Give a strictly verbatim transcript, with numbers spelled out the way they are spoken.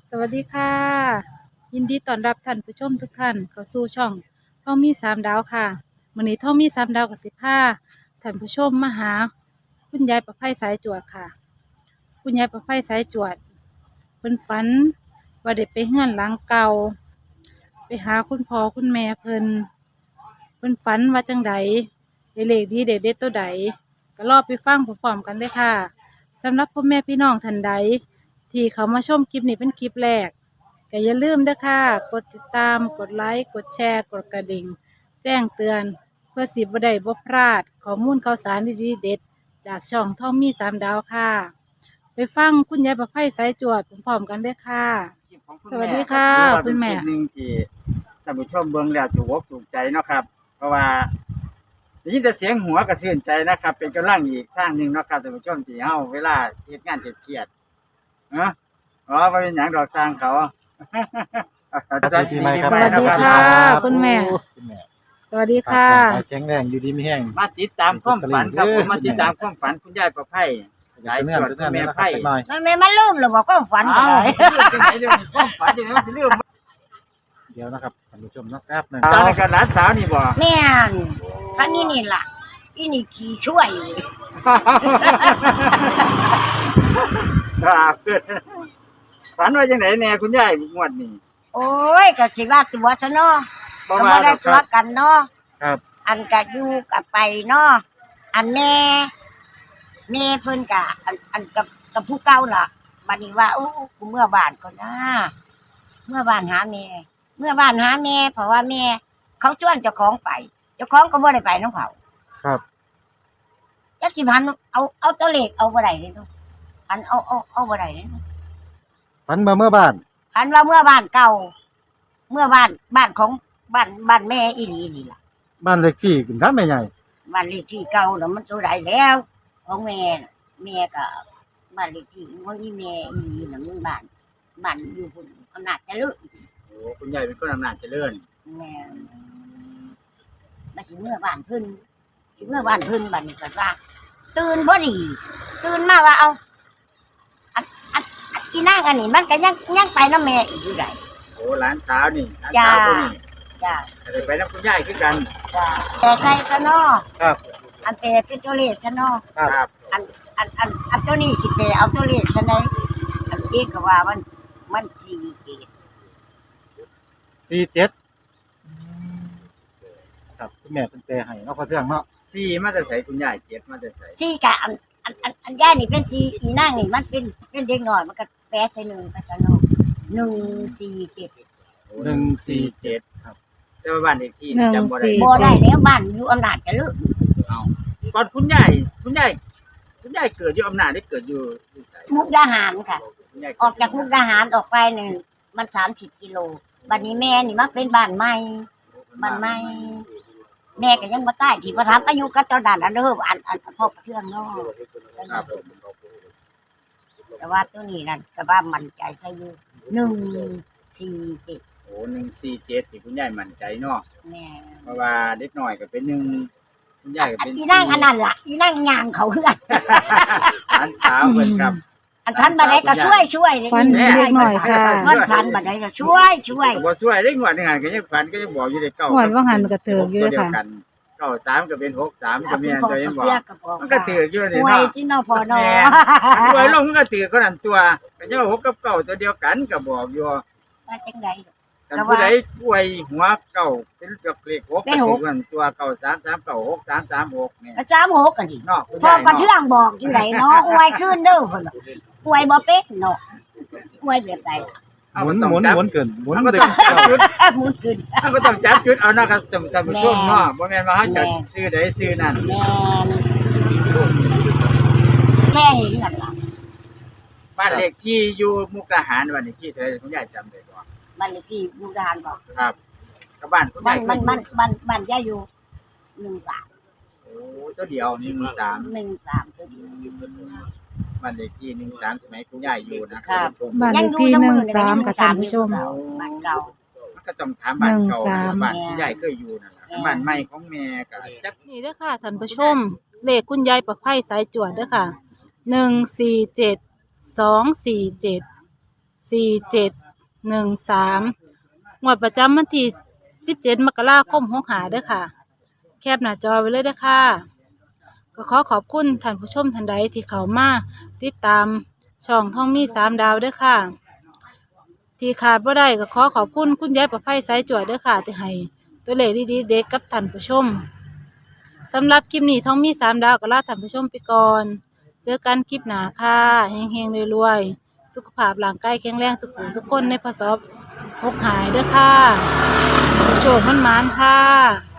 สวัสดีค่ะยินดีต้อนรับท่านผู้ชมทุกท่านเข้าสู่ช่องท่องมีสามดาวค่ะมื้อนี้ท่องมีสามดาวกับสิบห้าท่านผู้ชมมาหาคุณยายประไพสายจวดค่ะคุณยายประไพสายจวดเพิ่นฝันว่าเด็กไปเฮือนหลังเก่าไปหาคุณพ่อคุณแม่เพิ่นเพิ่นฝันว่าจังใดได้เลขดีเด็ดเด็ดตัวใดก็รอไปฟังพร้อมๆกันเลยค่ะสำหรับพ่อแม่พี่น้องท่านใดที่เขามาชมคลิปนี้เป็นคลิปแรกก็อย่าลืมเด้อค่ะกดติดตามกดไลค์กดแชร์กดกระดิ่งแจ้งเตือนเพื่อสิบ่ได้บ่พลาดข้อมูลข่าวสารดีๆเด็ดจากช่องท่องมีสามดาวค่ะไปฟังคุณยายประไพสายจวดพร้อมๆกันเด้อค่ะสวัสดีค่ะคุณแม่หนึ่งที่ท่านผู้ชมเบิ่งแล้วถูกอกถูกใจเนาะครับเพราะว่าได้ยินแต่เสียงหัวก็ชื่นใจนะครับเป็นกำลังอีกทางหนึ่งเนาะครับท่านผู้ชมที่เฮาเวลาเฮ็ดงานเครียดๆเนาะอ๋อบ่เป็นหยังดอกสร้างเขาสวัสดีปีใหม่ครับสวัสดีค่ะคุณแม่คุณแม่สวัสดีค่ะแข็งแรงอยู่ดีไม่แห้งมาติดตามความฝันครับผมมาติดตามความฝันคุณยายประไพสายเนื้อสายเนื้อแม่นะครับไพหน่อยแม่แม่มันลืมหรือบอกก็ฝันอ้าเลวย จังไหนเดี๋ยวนี้ความฝันจังไหนมันสิลืมเดี๋ยวนะครับท่านผู้ชมนะแป๊บหนึงตอนนี้ก็หลานสาวนี่บ่แม่นท่านนี่นี่ล่ะอีนี่ขี่ช่วยครับฝันว่าจังไหนแน่คุณยายงวดนี้โอ้ยก็สิว่าตัวซะเนาะบ่ก็ว่าบ่ดได้อกคตัวรับกันเนาะครับอันก็อยู่กับไปเนาะอันแม่แม่เพิ่นก็อันอันกับกับผู้เก่าล่ะบัดนี้ว่าโอ้กูเมื่อบ้านก่อนนะเมื่อบ้านหาแม่เมื่อบ้านหาแม่เพราะว่าแม่เขาชวนเจ้าของไปเจ้าของก็บ่ได้ไปนำเขาครับจักสิพันเอาเอาตัวเลขเอาบ่ได้เลยเนาะพันเอาเอาเอาบ่ได้เลยเนาะฝันมาเมื่อบ้านพันว่าเมื่อบ้านเก่า เมื่อบ้านบ้านของบ้านบ้านแม่อีหลีนี่ล่ะบ้านเลขที่คุณครับแม่ใหญ่บ้านเลขที่เก่าเนาะมันตัวใดแล้วของแม่น่ะแม่ก็บ้านเลขที่ของอีแม่อีหลีน่ะมันบ้านบ้านอยู่พุ่นอำนาจเจริญโอ้คุณยายเป็นคนอำนาจเจริญแม่มาสิเมื่อบ้านเพิ่นสิเมื่อบ้านเพิ่นบัดนี้ก็ว่า ตื่นพอดี ตื่นมาว่าเอาอันอันอันอีนางอันนี้มันก็ยังยังไปนำแม่อีกอยู่ได้โอ้หลานสาวนี่หลานจ้าสาวคนนี้จ้าจะได้ไปนำคุณยายคือกันจ้าแต่ใส่ซะเนาะครับอันแต่เป็นตัวเลขซะเนาะครับอันอันอันอันตัวนี้สิไปเอาตัวเลขซะไหนอันเอกก็ว่ามันมันสี่เกตสี่เจ็ดครับคุณแม่เป็นเปรให้เนาะพอเรื่องเนาะสี่มาจะใส่คุณยายเจ็ดมาจะใส่สี่กะอันอันอันอันย่านี่เป็นสี่อีนางนี่มันเป็นเป็นเด็กน้อยมันก็แปะใส่หนึ่งไปซะเนาะหนึ่งสี่เจ็ดหนึ่งสี่เจ็ดครับแต่ว่าบ้านเลขที่หนึ่งจำบ่ได้สี่บ่ได้แล้วบ้านอยู่อำนาจเจริญเอาก่อนคุณยายคุณยายคุณยายเกิดอยู่อำนาจได้เกิดอยู่อยู่ไสมุกดาหารค่ะคุณยายออกจากมุกดาหารออกไปหนึ่งมันสามสิบกิโลบัดนี้แม่นี่มาเป็นบ้านใหม่บ้านใหม่แม่ก็ยังบ่ตายที่บ่ทำอายุก็ตอนนั้นอันเด้ออันอันอันพบเครื่องเนาะครับผมแต่ว่าตัวนี้นั่นก็ว่ามันใจใส่อยู่หนึ่งสี่เจ็ดโอ้หนึ่งสี่เจ็ดที่คุณยายมั่นใจเนาะแม่เพราะว่าเด็กน้อยก็เป็นหนึ่งคุณยายก็อันเป็นอีนั่งอันนั้นล่ะอีนั่งยางเขาเฮือนหลานสาวเพิ่นครับอันทันบัดใดก็ช่วยช่วยเลยฟันแม่เล็กหน่อยค่ะฟันทันบัดใดก็ช่วยช่วยก็บ่ช่วยได้งวดหนึงหันก็ยังฝันก็ยังบอกอยู่ได้เก้าหวดว่าหันกระเถิกอยู่ตัวเดีวค่ะกันเก้าสามก็เป็นหกสามก็เอาแม่คุณนพ่อตัวยังกับบอกเตี้ยก็บอกมันก็ถืออยู่นี่หวยเนาะที่นอพอนอแม่รวยลงมันก็ถือคนนั้นตัวก็จะว่าหกกับเก้าตัวเดียวกันก็บอกอยู่ว่าจังไดกันผู้ใดป่วยหัวเก่าเป็นดอกเลขหกเป็ก็นหถืกอกันตัวเก่าสามสามเก่าหกสามสามหกเนี่ยก็สามหกกันดิเนาะคุณพ่อยายประเนาะเทืองบอกอยู่ไหนเนาะอวยขึ้นเด้อพุ่นน่ะอวยบ่เป็นเนาะอวยแบบใดเอาหมุก็นต้องหมุนจับหมุนเกินหมุนมันก็เด็ต้องกจับจุดหมุนขึ้นมันก็ต้องจับจุดเอานะครับท่านท่านผู้ชมเนาะบ่แม่นว่าเฮาจะแม่ซื้อใดซื้อนั่นแม่นแค่เห็นนั่นล่ะบ้านเลขที่อยู่มุกดาหารวันนี้ที่เธอคุณยายจำได้บ่บ้านเลขที่มุกดาหารบอกครับก็บ้านคุณบ้ายาน ยมันมันบ้านบ้านย่าอยู่หนึ่งสามโอ้ตัวเดียวนี่มือสามหนึ่งสามตัวเดียวบ้านเลขที่หนึ่งสามสมัยคุณยายอยู่นะครับบ้านเลขที่หนึ่งสามค่ะท่านผู้ชมบ้านเก่ามันก็ต้องถามบ้านเก่าหนึ่งสามบ้านคุณยายเคยอยู่นั่นแหละแม่บ้านใหม่ของแม่ก็จักนี่เด้อค่ะท่านผู้ชม เลขคุณยายประไพสายจวดเด้อค่ะหนึ่งสี่เจ็ดสองสี่เจ็ดสี่เจ็ดหนึ่งสามงวดประจำวันที่สิบเจ็ดมกราคมหกห้าเด้อค่ะ แคปหน้าจอไว้เลยเด้อค่ะ ก็ขอขอบคุณท่านผู้ชมท่านใดที่เข้ามาติดตามช่องท่องมีสามดาวเด้อค่ะ ที่ขาดบ่ได้ก็ขอขอบคุณคุณยายประไพสายจวดเด้อค่ะที่ให้ตัวเลขดีๆเด็กกับท่านผู้ชมสำหรับคลิปนี้ท่องมีสามดาวก็ลาท่านผู้ชมไปก่อน เจอกันคลิปหน้าค่ะเฮงๆรวยๆสุขภาพร่างกายแข็งแรงสุขุสุขคนในพศหกหายเด้อค่ะโชคมันหมานค่ะ